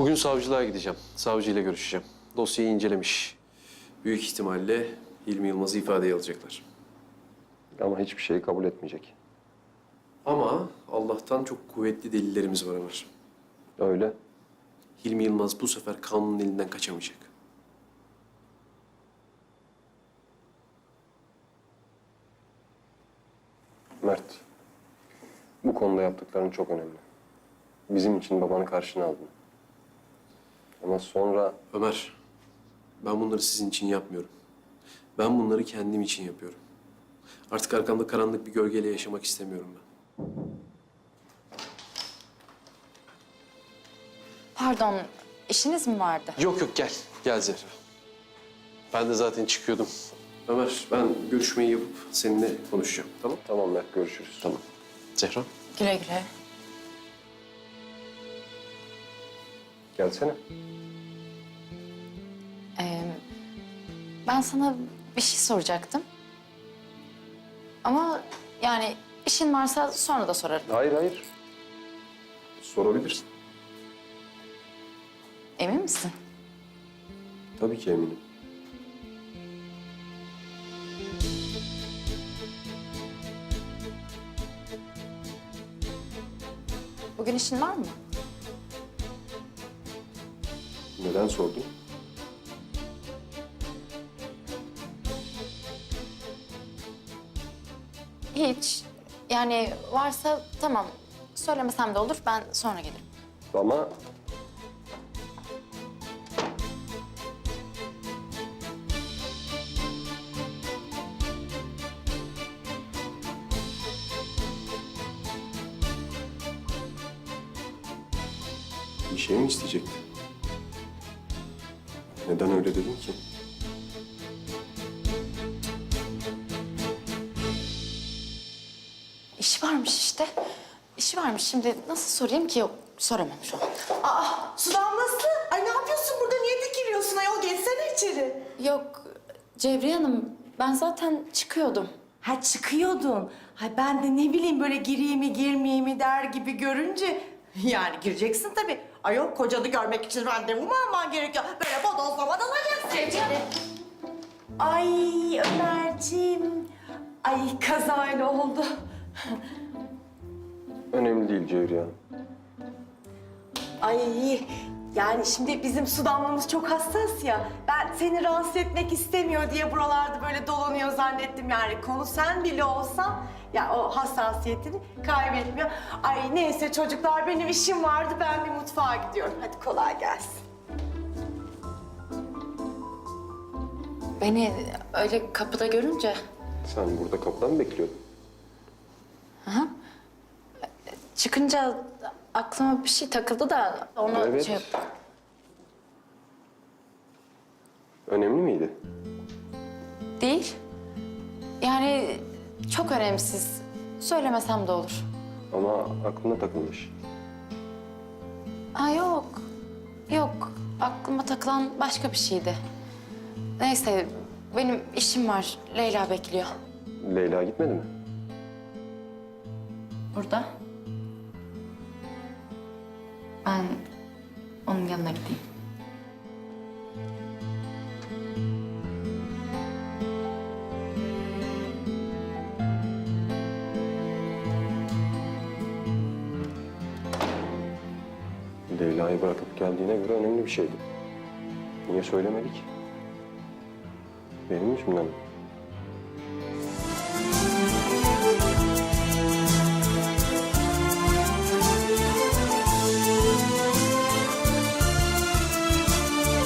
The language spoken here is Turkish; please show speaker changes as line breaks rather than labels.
Bugün savcılığa gideceğim. Savcıyla görüşeceğim. Dosyayı incelemiş. Büyük ihtimalle Hilmi Yılmaz'ı ifadeye alacaklar.
Ama hiçbir şeyi kabul etmeyecek.
Ama Allah'tan çok kuvvetli delillerimiz var Ömer.
Öyle.
Hilmi Yılmaz bu sefer kanunun elinden kaçamayacak.
Mert, bu konuda yaptıkların çok önemli. Bizim için babanı karşına aldın. Ama sonra
Ömer, ben bunları sizin için yapmıyorum. Ben bunları kendim için yapıyorum. Artık arkamda karanlık bir gölgeyle yaşamak istemiyorum ben.
Pardon, işiniz mi vardı?
Yok yok gel. Gel Zehra. Ben de zaten çıkıyordum. Ömer ben görüşmeyi yapıp seninle konuşacağım. Tamam?
tamam Mert, görüşürüz.
Tamam. Zehra.
Güle güle.
Gelsene.
Ben sana bir şey soracaktım. Ama yani işin varsa sonra da sorarım.
Hayır, hayır. Sorabilirsin.
Emin misin?
Tabii ki eminim.
Bugün işin var mı?
Neden sordun?
Hiç. Yani varsa tamam. Söylemesem de olur. Ben sonra gelirim.
Ama bir şey mi isteyecektin? Neden öyle dedin ki?
İşi varmış işte. İşi varmış. Şimdi nasıl sorayım ki? Yok, soramam şu an.
Aa, su damlası. Ay ne yapıyorsun burada? Niye dikiliyorsun ayol? Geçsene içeri.
Yok, Cevriye Hanım. Ben zaten çıkıyordum.
Ha çıkıyordun. Ha ben de ne bileyim böyle gireyim mi girmeyeyim mi der gibi görünce... Yani gireceksin tabii. Ayol kocanı görmek için randevu mu alman gerekiyor? Böyle bodozlama dalacaksın. Ay Ömerciğim. Ay kazayla oldu.
Önemli değil Cevriye Hanım.
Ay yani şimdi bizim su damlamız çok hassas ya. Ben seni rahatsız etmek istemiyor diye buralarda böyle dolanıyor zannettim yani. Konu sen bile olsan ya o hassasiyetini kaybetmiyor. Ay neyse çocuklar benim işim vardı, ben bir mutfağa gidiyorum. Hadi kolay gelsin.
Beni öyle kapıda görünce...
Sen burada kapıda mı bekliyordun?
Çıkınca aklıma bir şey takıldı da onu
Evet.
şey yaptım.
Önemli miydi?
Değil. Yani çok önemsiz. Söylemesem de olur.
Ama aklına takılmış.
Ha yok. Yok. Aklıma takılan başka bir şeydi. Neyse benim işim var. Leyla bekliyor.
Leyla gitmedi mi?
Burada. Ben onun yanına gideyim.
Leyla'yı bırakıp geldiğine göre önemli bir şeydi. Niye söylemedik? Benim yüzümden mi?